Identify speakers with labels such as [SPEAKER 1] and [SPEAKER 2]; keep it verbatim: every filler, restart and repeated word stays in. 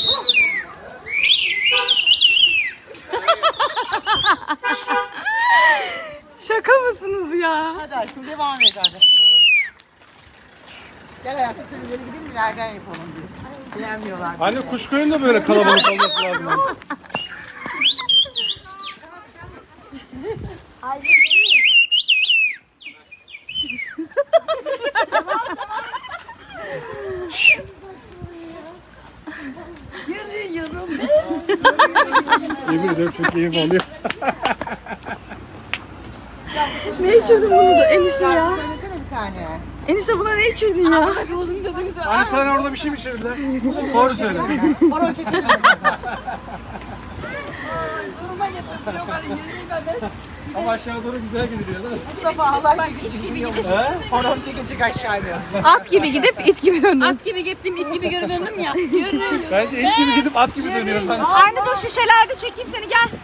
[SPEAKER 1] Şaka mısınız ya?
[SPEAKER 2] Hadi aşkım devam et hadi. Gel hayatım şöyle ileri gidelim mi? Nereden yapalım biz? Beğenmiyorlar.
[SPEAKER 3] Anne Kuşkoyun da böyle kalabalık olması lazım.
[SPEAKER 1] Yürüyorum.
[SPEAKER 3] Yemin ederim çok keyif alıyor.
[SPEAKER 1] Ne içirdin bunu da enişte ya?
[SPEAKER 2] Söylesene bir tane.
[SPEAKER 1] Enişte buna ne içirdin ya?
[SPEAKER 3] Anne sana orada bir şey mi içirdiler? Doğru söyle.
[SPEAKER 2] Horon çekelim.
[SPEAKER 3] Ama aşağı doğru güzel gidiliyor değil mi?
[SPEAKER 2] Mustafa halay çekici gidiyor. Horon çekecek aşağıya.
[SPEAKER 1] At gibi gidip it gibi döndün.
[SPEAKER 4] At gibi gittim, it gibi geri döndüm ya. Yürü.
[SPEAKER 3] Bence et gibi gidip at gibi dönüyor sanki.
[SPEAKER 1] Anne dur şişelerde çekeyim seni gel.